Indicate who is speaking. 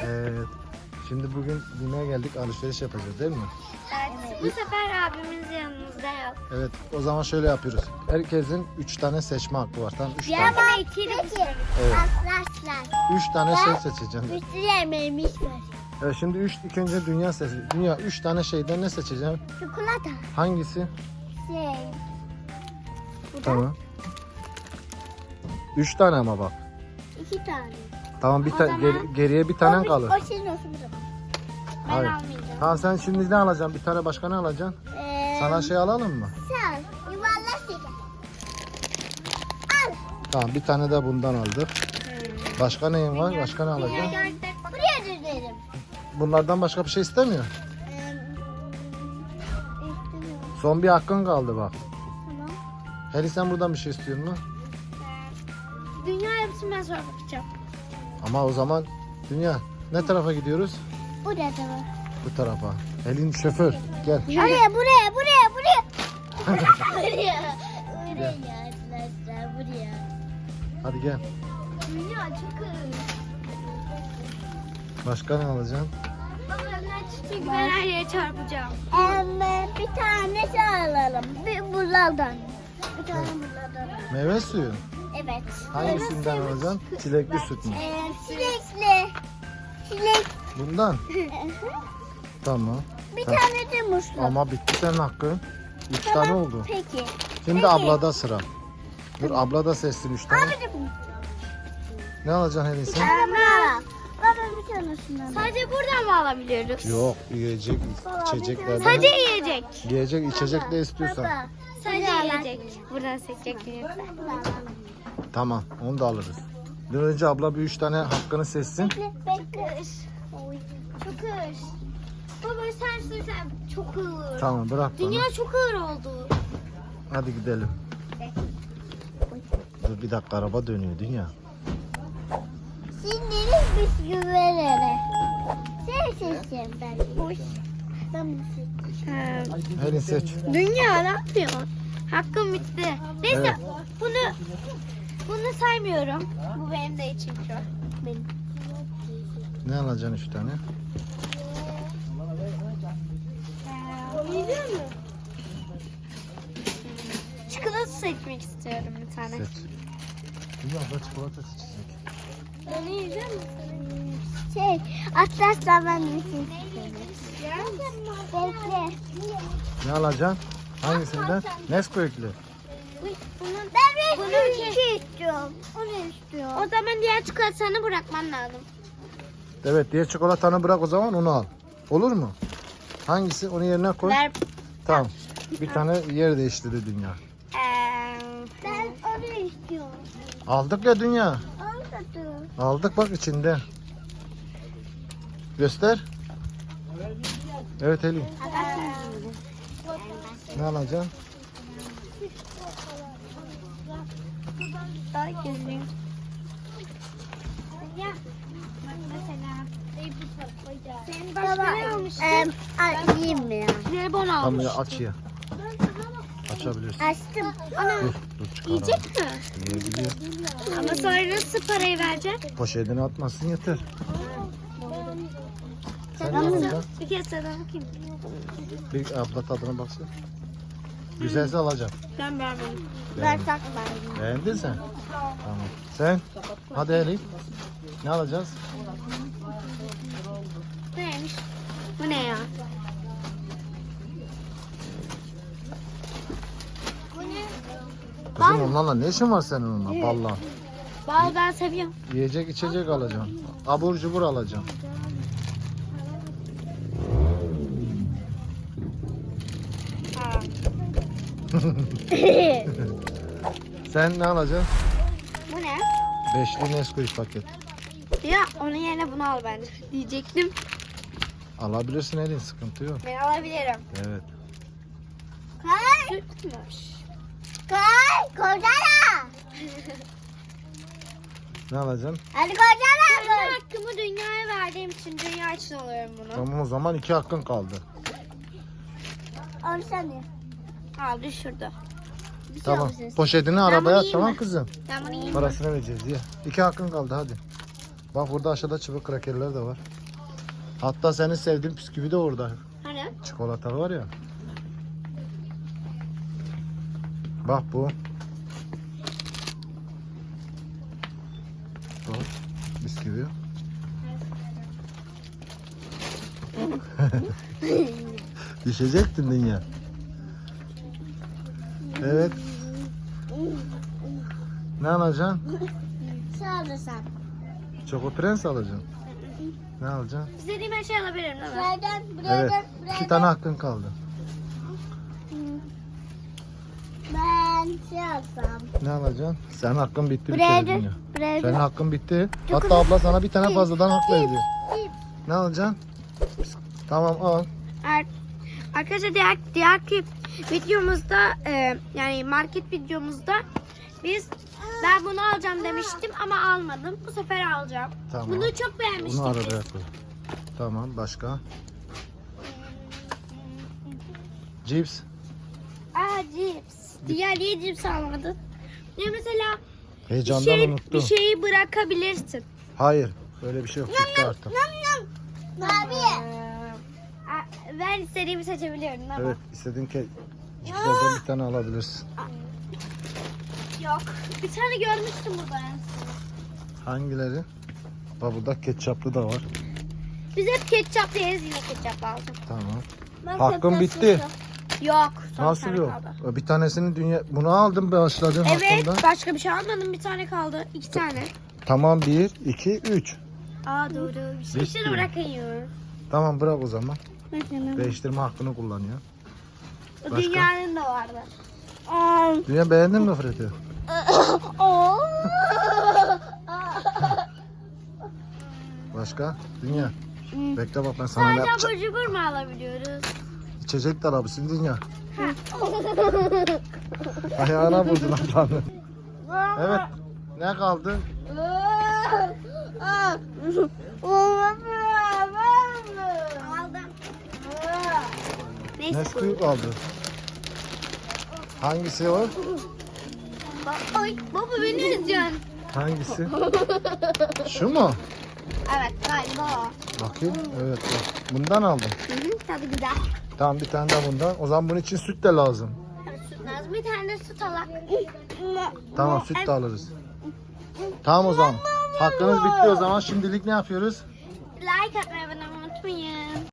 Speaker 1: Evet. Şimdi bugün yemeğe geldik, alışveriş yapacağız değil mi?
Speaker 2: Evet. Bu sefer abimiz yanımızda yok.
Speaker 1: Evet, o zaman şöyle yapıyoruz. Herkesin 3 tane seçme hakkı var. Tamam, 3 tane.
Speaker 2: Diğer itiyle
Speaker 1: Evet.
Speaker 2: Aslan.
Speaker 1: 3 tane şey seçeceğim.
Speaker 2: Üstü yemeğimiz var.
Speaker 1: Evet, şimdi ilk önce dünya seçeceğim. Dünya 3 tane şeyden ne seçeceğim?
Speaker 2: Çikolata.
Speaker 1: Hangisi?
Speaker 2: Şey.
Speaker 1: Tamam. 3 tane ama bak.
Speaker 2: 2 tane.
Speaker 1: Tamam,
Speaker 2: O zaman-
Speaker 1: geriye bir tane kalır.
Speaker 2: O senin olsun o zaman. Ben
Speaker 1: Hayır.
Speaker 2: almayacağım.
Speaker 1: Tamam, sen şimdi ne alacaksın? Bir tane başka ne alacaksın? Sana şey alalım mı?
Speaker 2: Sen yuvarlak şeker. Al.
Speaker 1: Tamam, bir tane de bundan aldık. Başka neyin var? Başka ne alacaksın?
Speaker 2: Buraya düzelim.
Speaker 1: Bunlardan başka bir şey istemiyor.
Speaker 2: İstemiyorum.
Speaker 1: Son bir hakkın kaldı bak.
Speaker 2: Tamam.
Speaker 1: Heli, sen buradan bir şey istiyor musun?
Speaker 2: Dünya hepsinden sonra bakacağım.
Speaker 1: Ama o zaman Dünya ne tarafa gidiyoruz?
Speaker 2: Buraya da var.
Speaker 1: Bu tarafa. Helin şoför gel.
Speaker 2: Buraya. Buraya arkadaşlar buraya.
Speaker 1: Hadi gel.
Speaker 2: Dünya çok
Speaker 1: Başka ne alacaksın?
Speaker 2: Çünkü ben her yere çarpacağım. Bir tane şey alalım. Bir bunlardan. Bir tane bunlardan.
Speaker 1: Meyve suyu.
Speaker 2: Evet.
Speaker 1: Hangisinden alacaksın? Çilekli süt mü?
Speaker 2: Çilekli. Çilek.
Speaker 1: Bundan. Tamam.
Speaker 2: Bir
Speaker 1: Tamam.
Speaker 2: tane de muzlu.
Speaker 1: Ama bitti senin hakkın. 3 tane oldu.
Speaker 2: Peki.
Speaker 1: Şimdi
Speaker 2: Peki.
Speaker 1: ablada sıra. Dur, abla da seçsin 3 tane. Ne alacaksın Helin sen?
Speaker 2: Baba bir tanesinden. Sadece buradan mı alabiliyoruz?
Speaker 1: Yok, yiyecek, içeceklerden.
Speaker 2: Sadece yiyecek.
Speaker 1: Yiyecek, içecek ne istiyorsan.
Speaker 2: Sadece yiyecek. Buradan seçecek lütfen.
Speaker 1: Tamam, onu da alırız. Bir önce abla bir 3 tane hakkını seçsin.
Speaker 2: Bekle. Çok ağır. Baba sen sürsen çok ağır.
Speaker 1: Tamam, bırak bana.
Speaker 2: Dünya çok ağır oldu.
Speaker 1: Hadi gidelim. Dur bir dakika, araba dönüyor Dünya.
Speaker 2: Şimdi bisküvilere. Sen seçeceğim ben. Boş. Ben bunu seçeceğim.
Speaker 1: Helin seç.
Speaker 2: Dünya ne yapıyorsun? Hakkım bitti. Neyse
Speaker 1: Evet.
Speaker 2: bunu saymıyorum. Bu benim de içim şu. Benim.
Speaker 1: Ne alacaksın 3 tane?
Speaker 2: Yiyecek mi? Çikolata seçmek istiyorum bir tane.
Speaker 1: Seç. Dünya abla çikolata seçecek.
Speaker 2: Ben yiyecek misin? Şey, atlasla ben de istiyorum. Bekle.
Speaker 1: Ne alacaksın? Hangisinden? Nesquik'li.
Speaker 2: Ben bunu istiyorum. Onu istiyorum. O zaman diğer çikolatanı bırakman lazım.
Speaker 1: Evet, diğer çikolatanı bırak, o zaman onu al. Olur mu? Hangisi? Onu yerine koy.
Speaker 2: Ver.
Speaker 1: Tamam. Bir tane yer değiştirdi Dünya.
Speaker 2: Ben onu istiyorum.
Speaker 1: Aldık ya Dünya.
Speaker 2: Almadım.
Speaker 1: Aldık bak içinde. Göster. Evet Helin. Ne alacaksın?
Speaker 2: Daha gözlüğüm. Ya bak mesela senin başka ne almıştın? Yiyeyim mi ya? Jelibon
Speaker 1: Tamam
Speaker 2: almış.
Speaker 1: ya, aç ya. Açabilirsin.
Speaker 2: Açtım. Ana
Speaker 1: Dur çıkar.
Speaker 2: yiyecek mi?
Speaker 1: Yiyebiliyor.
Speaker 2: Ama sonra nasıl parayı vereceksin?
Speaker 1: Poşetine atmasın yeter. Sen ne
Speaker 2: Ben
Speaker 1: alacaksın?
Speaker 2: bir kez sana bakayım.
Speaker 1: Bir abla tadına baksın. Güzelse alacağım.
Speaker 2: Ben beğenmedim.
Speaker 1: Beğendin.
Speaker 2: tak
Speaker 1: Beğendin sen? Tamam. Sen? Hadi Elif. Ne alacağız?
Speaker 2: Neymiş? Bu ne ya? Bu ne?
Speaker 1: Kızım onlarla ne işin var senin onunla? Vallahi.
Speaker 2: Bal ben seviyorum.
Speaker 1: Yiyecek içecek alacağım. Abur cubur alacağım. Sen ne alacaksın?
Speaker 2: Bu ne?
Speaker 1: Beşli Nesquik paket.
Speaker 2: Ya onun yerine bunu al bence. Diyecektim.
Speaker 1: Alabilirsin Elin, sıkıntı yok.
Speaker 2: Ben alabilirim.
Speaker 1: Evet.
Speaker 2: Kay. Sütmüş. Kay. Kocala.
Speaker 1: Ne alacaksın?
Speaker 2: Hadi kocala. Ben hakkımı dünyaya verdiğim için dünya için alıyorum bunu.
Speaker 1: Tamam, o zaman 2 hakkın kaldı.
Speaker 2: Al sen de. Al düşürdü.
Speaker 1: Tamam. Poşetini arabaya at,
Speaker 2: yiyeyim
Speaker 1: tamam
Speaker 2: mi?
Speaker 1: kızım.
Speaker 2: Ben bunu yiyeyim.
Speaker 1: Parasını vereceğiz ya. 2 hakkın kaldı hadi. Bak burada aşağıda çubuk krakerler de var. Hatta senin sevdiğin bisküvi de orada.
Speaker 2: Hani?
Speaker 1: Çikolatalı var ya. Bak bu. Bu bisküvi. Düşecektin dünya. Evet. Ne alacaksın?
Speaker 2: Sağlasam.
Speaker 1: Çoko Prens alacaksın. Ne alacaksın?
Speaker 2: İstediğim her şeyi alabilirim değil mi? Buradan,
Speaker 1: Evet. 2 tane hakkın kaldı.
Speaker 2: Ben şey alsam.
Speaker 1: Ne alacaksın? Senin hakkın bitti bir
Speaker 2: Buraya
Speaker 1: kere dünya.
Speaker 2: buraya
Speaker 1: Senin hakkın bitti. Hatta abla sana bir tane fazladan hak verdi. Ne alacaksın? Tamam al.
Speaker 2: Arkadaşlar diğerki videomuzda yani market videomuzda ben bunu alacağım demiştim ama almadım. Bu sefer alacağım.
Speaker 1: Tamam.
Speaker 2: Bunu çok beğenmiştim.
Speaker 1: Bunu arada koy. Tamam başka? Cips.
Speaker 2: Cips. Diğer niye cips almadın? Ya mesela
Speaker 1: Heyecandan unuttum.
Speaker 2: bir şeyi bırakabilirsin.
Speaker 1: Hayır. Öyle bir şey yok. Bitti artık.
Speaker 2: Abi. Ben istediğimi seçebiliyorum değil mi?
Speaker 1: Evet. istediğin cipslerden bir tane alabilirsin.
Speaker 2: Yok. Bir tane görmüştüm burada.
Speaker 1: Hangileri? Bak burada ketçaplı da var.
Speaker 2: Biz hep ketçap yeriz, yine ketçap lazım.
Speaker 1: Tamam. Hakkım bitti.
Speaker 2: Yok. son
Speaker 1: Nasıl
Speaker 2: tane
Speaker 1: yok?
Speaker 2: kaldı.
Speaker 1: Bir tanesini bunu aldım başladığım
Speaker 2: Evet,
Speaker 1: hakkında.
Speaker 2: başka bir şey almadım. Bir tane kaldı. 2 tane.
Speaker 1: Tamam 1, 2, 3.
Speaker 2: Doğru. Bir şey
Speaker 1: Bitti.
Speaker 2: şunu bırakayım.
Speaker 1: Tamam bırak o zaman.
Speaker 2: Bakın.
Speaker 1: Değiştirme hakkını kullanıyor.
Speaker 2: O
Speaker 1: Başka?
Speaker 2: dünyanın da vardı.
Speaker 1: Dünya beğendin mi Fred'i? Başka? Dünya. Bekle bak ben sana ne
Speaker 2: Sadece
Speaker 1: yapacağım.
Speaker 2: abur cubur mu alabiliyoruz?
Speaker 1: İçecek de alabilirsin Dünya. Ayağına vurdun ablanı. Evet. Ne kaldı?
Speaker 2: Aldım. Neyse.
Speaker 1: Nesquik kaldı. Hangisi o?
Speaker 2: Ay baba beni üzeceksin.
Speaker 1: Hangisi? Şu mu?
Speaker 2: Evet galiba o.
Speaker 1: Bakayım. Evet. Bak. Bundan aldım.
Speaker 2: Tadı güzel.
Speaker 1: Tamam bir tane daha bundan. O zaman bunun için süt de lazım.
Speaker 2: Evet, süt lazım. Bir tane de süt alak.
Speaker 1: Tamam süt de alırız. Tamam o zaman. Hakkınız bitti o zaman. Şimdilik ne yapıyoruz?
Speaker 2: Like atmayı unutmayın.